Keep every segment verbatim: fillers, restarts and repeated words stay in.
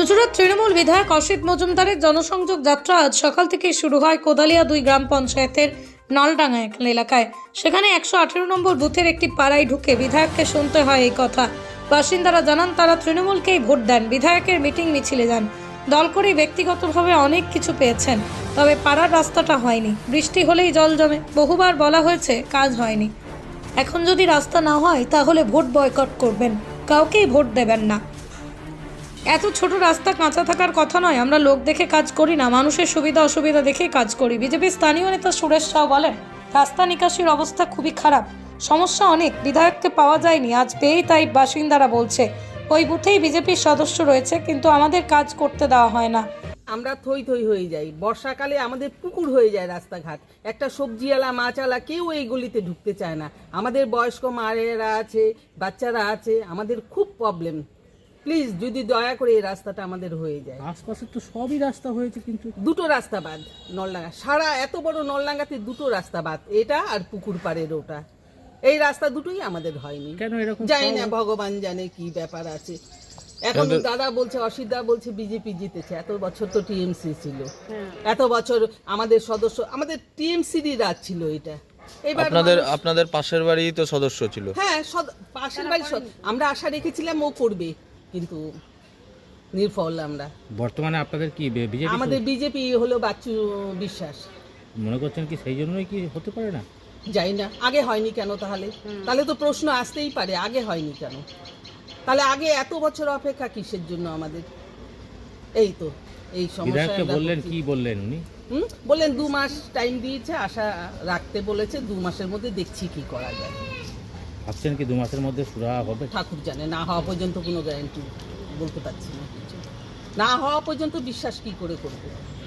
চুঁচুড়ার তৃণমূল বিধায়ক অসিত মজুমদারের জনসংযোগ যাত্রা আজ সকাল থেকে শুরু হয় কোদালিয়া দুই গ্রাম পঞ্চায়েতের নলডাঙ্গা এলাকায়। সেখানে একশো আঠেরো নম্বর বুথের একটি পাড়ায় ঢুকে বিধায়ককে শুনতে হয় এই কথা। বাসিন্দারা জানান তারা তৃণমূলকেই ভোট দেন, বিধায়কের মিটিং মিছিলে যান, দল করে ব্যক্তিগতভাবে অনেক কিছু পেয়েছেন, তবে পাড়ার রাস্তাটা হয়নি। বৃষ্টি হলেই জল জমে, বহুবার বলা হয়েছে, কাজ হয়নি। এখন যদি রাস্তা না হয় তাহলে ভোট বয়কট করবেন, কাউকেই ভোট দেবেন না। এত ছোট রাস্তা কাঁচা থাকার কথা নয়, আমরা লোক দেখে কাজ করি না, মানুষের সুবিধা অসুবিধা দেখে কাজ করি। বিজেপির স্থানীয় নেতা সুরেশ সাউ বলেন, রাস্তা নিকাশির অবস্থা খুবই খারাপ, সমস্যা অনেক, বিধায়ককে পাওয়া যায়নি, আজ পেয়েই তাই বাসিন্দারা বলছে ওই বুথেই বিজেপির সদস্য রয়েছে, কিন্তু আমাদের কাজ করতে দেওয়া হয় না। আমরা থই থই হয়ে যাই, বর্ষাকালে আমাদের পুকুর হয়ে যায় রাস্তাঘাট। একটা সবজিওয়ালা মাছওয়ালা কেউ এই গলিতে ঢুকতে চায় না। আমাদের বয়স্ক মায়েরা আছে, বাচ্চারা আছে, আমাদের খুব প্রবলেম। প্লিজ যদি দয়া করে এই রাস্তাটা আমাদের হয়ে যায়। আশপাশে তো সবই রাস্তা হয়েছে, কিন্তু দুটো রাস্তা বাদ নলডাঙ্গা, সারা এত বড় নলডাঙ্গাতে দুটো রাস্তা বাদ, এটা আর পুকুর পাড়ের ওটা। এই রাস্তা দুটোই আমাদের হয়নি, কেন এরকম জানি না, ভগবান জানে কি ব্যাপার আছে। এখন দাদা বলছে, অসিতদা বলছে বিজেপি জিতেছে, এত বছর তো টিএমসি ছিল, এত বছর আমাদের সদস্য, আমাদের টিএমসিরই রাজ ছিল এটা। এবার আপনাদের আপনাদের পাশের বাড়ি তো সদস্য ছিল। হ্যাঁ, পাশের বাড়ি আমরা আশা রেখেছিলাম ও করবে, কিন্তু নির্ফল আমরা। বর্তমানে আপনাদের কি বিজেপি? আমাদের বিজেপি হলো বাচ্চু বিশ্বাস। মনে করছেন কি সেই জন্যই কি হতে পারে না? যাই না, আগে হয়নি কেন? তাহলে তাহলে তো প্রশ্ন আসতেই পারে, আগে হয়নি কেন? তাহলে আগে এত বছর অপেক্ষা কিসের জন্য আমাদের? এই তো এই সমস্যা। বললেন কি বললেন উনি? হুম বললেন দু মাস টাইম দিয়েছে, আশা রাখতে বলেছে, দু মাসের মধ্যে দেখছি কি করা যায়। ভাবছেন কি দু মাসের মধ্যে সুরা হবে? ঠাকুর জানে, না হওয়া পর্যন্ত কোনো গ্যারান্টি বলতে পারছি না কিছু। না হওয়া পর্যন্ত বিশ্বাস কি করে করব?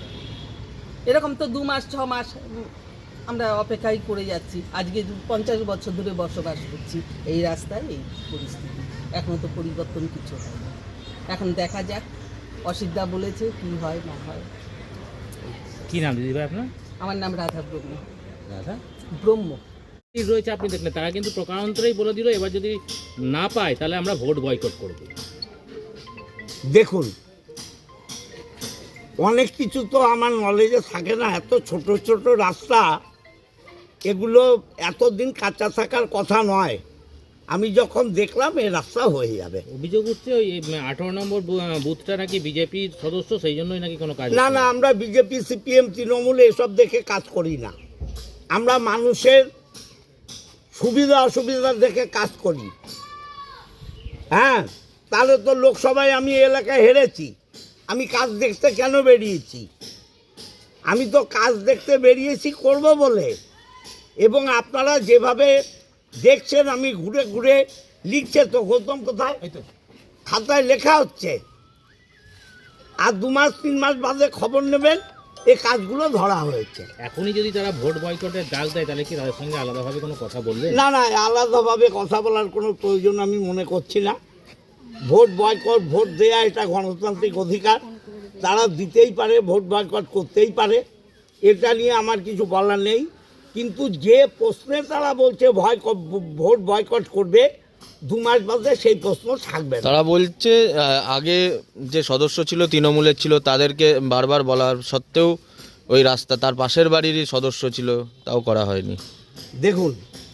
এরকম তো দু মাস ছ মাস আমরা অপেক্ষাই করে যাচ্ছি। আজকে পঞ্চাশ বছর ধরে বসবাস করছি এই রাস্তায়, এই পরিস্থিতি, এখনো তো পরিবর্তন কিছু হয় না। এখন দেখা যাক, অসিতদা বলেছে কি হয় না হয়। কি নাম দিদি ভাই আপনার? আমার নাম রাধা ব্রহ্ম। রাধা ব্রহ্ম রয়েছে, আপনি দেখলেন, তারা কিন্তু প্রকারান্তরেই বলে দিল এবার যদি না পায় তাহলে আমরা ভোট বয়কট করব। দেখুন, অনেক কিছু তো আমার নলেজে থাকে না। এত ছোট ছোট রাস্তা, এগুলো এতদিন কাঁচা থাকার কথা নয়। আমি যখন দেখলাম এই রাস্তা হয়ে যাবে। অভিযোগ উঠছে ওই আঠারো নম্বর বুথটা নাকি বিজেপির সদস্য, সেই জন্যই নাকি কোনো কাজ না না, আমরা বিজেপি সিপিএম তৃণমূল এসব দেখে কাজ করি না। আমরা মানুষের সুবিধা অসুবিধা দেখে কাজ করি। হ্যাঁ, তাহলে তো লোকসভায় আমি এলাকায় হেরেছি। আমি কাজ দেখতে কেন বেরিয়েছি? আমি তো কাজ দেখতে বেরিয়েছি করব বলে। এবং আপনারা যেভাবে দেখছেন, আমি ঘুরে ঘুরে লিখছে তো, গৌতম কোথায় খাতায় লেখা হচ্ছে, আর দু মাস তিন মাস বাদে খবর নেবেন এই কাজগুলো ধরা হয়েছে। এখনই যদি তারা ভোট বয়কটের ডাক দেয় তাহলে কি তাদের সঙ্গে আলাদাভাবে কোনো কথা বলবে? না না, আলাদাভাবে কথা বলার কোনো প্রয়োজন আমি মনে করছি না। ভোট বয়কট, ভোট দেয়া এটা গণতান্ত্রিক অধিকার, তারা দিতেই পারে, ভোট বয়কট করতেই পারে, এটা নিয়ে আমার কিছু বলার নেই। কিন্তু যে প্রশ্নে তারা বলছে ভয় ভোট বয়কট করবে, দু মাস বাদে সেই প্রশ্ন থাকবে। তারা বলছে আগে যে সদস্য ছিল তৃণমূলের ছিল, তাদেরকে বারবার বলার সত্ত্বেও ওই রাস্তা তার পাশের বাড়িরই সদস্য ছিল, তাও করা হয়নি। দেখুন,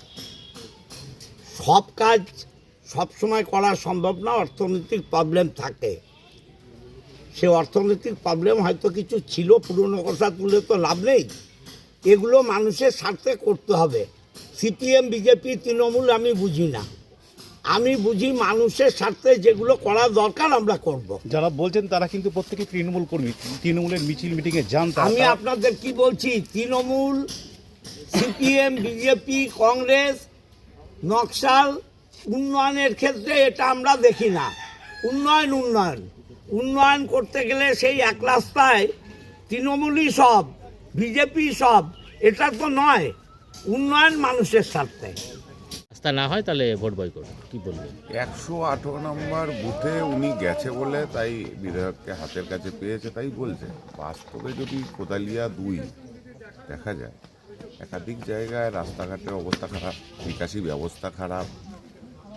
সব কাজ সব সময় করা সম্ভব না, অর্থনৈতিক প্রবলেম থাকে। সে অর্থনৈতিক প্রবলেম হয়তো কিছু ছিল, পুরনো কথা তুলে তো লাভ নেই। এগুলো মানুষের স্বার্থে করতে হবে। সিপিএম বিজেপি তৃণমূল আমি বুঝি না, আমি বুঝি মানুষের স্বার্থে যেগুলো করা দরকার আমরা করব। যারা বলছেন তারা কিন্তু প্রত্যেকে তৃণমূল কর্মী, তৃণমূলের মিছিল মিটিংয়ে যান। আমি আপনাদের কি বলছি, Trinamool, CPM, BJP, Congress, Naxal, উন্নয়নের ক্ষেত্রে এটা আমরা দেখি না। উন্নয়ন উন্নয়ন উন্নয়ন করতে গেলে সেই এক রাস্তায় তৃণমূলই সব, বিজেপি সব, এটা তো নয়। উন্নয়ন মানুষের স্বার্থে। রাস্তা না হয় তাহলে ভোট বয়কট, কি বলবেন? একশো আঠারো নম্বর বুথে উনি গেছে বলে তাই বিধায়ককে হাতের কাছে পেয়েছে তাই বলছে। বাস্তবে যদি কোদালিয়া দুই দেখা যায়, একাধিক জায়গায় রাস্তাঘাটের অবস্থা খারাপ, নিকাশি ব্যবস্থা খারাপ,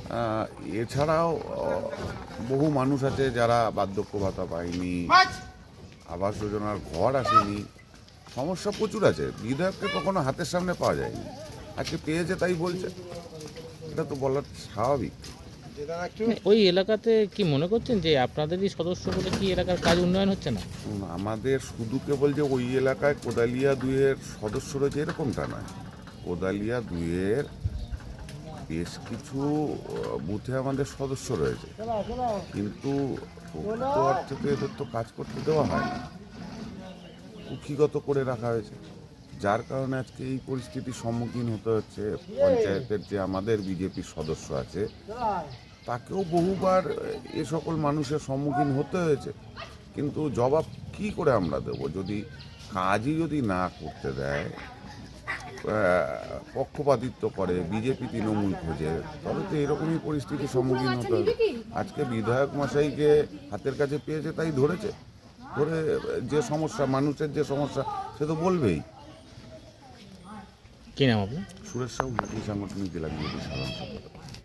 আহ, এছাড়াও আহ, বহু মানুষ আছে যারা বার্ধক্য ভাতা পায়নি, আবাস যোজনার ঘর আসেনি, সমস্যা প্রচুর আছে। বিধায়ককে কখনো হাতের সামনে পাওয়া যায়নি, আজকে পেয়েছে তাই বলছে, এটা তো বলার স্বাভাবিক। ওই এলাকাতে কি মনে করছেন যে আপনাদেরই সদস্য বলে কি এলাকার কাজ উন্নয়ন হচ্ছে না? উম, আমাদের শুধু কেবল যে ওই এলাকায় কোদালিয়া দুইয়ের সদস্য রয়েছে এরকমটা নয়। কোদালিয়া দুইয়ের বেশ কিছু আহ, বুথে আমাদের সদস্য রয়েছে, কিন্তু প্রকৃত অর্থে তো এদের তো কাজ করতে দেওয়া হয় না, কুক্ষিগত করে রাখা হয়েছে, যার কারণে আজকে এই পরিস্থিতির সম্মুখীন হতে হচ্ছে। পঞ্চায়েতের যে আমাদের বিজেপির সদস্য আছে তাকেও বহুবার এ সকল মানুষের সম্মুখীন হতে হয়েছে, কিন্তু জবাব কি করে আমরা দেব যদি কাজই যদি না করতে দেয়, আহ, পক্ষপাতিত্ব করে, বিজেপি তৃণমূল খোঁজে, তবে তো এরকমই পরিস্থিতির সম্মুখীন হতে হবে। আজকে বিধায়ক মশাইকে হাতের কাছে পেয়েছে তাই ধরেছে, ধরে যে সমস্যা মানুষের যে সমস্যা সে তো বলবেই। কি নাম আপনার? সুরেশ সাহু, সাংগঠনিক জেলা বিজেপি সাধারণ সম্পাদক।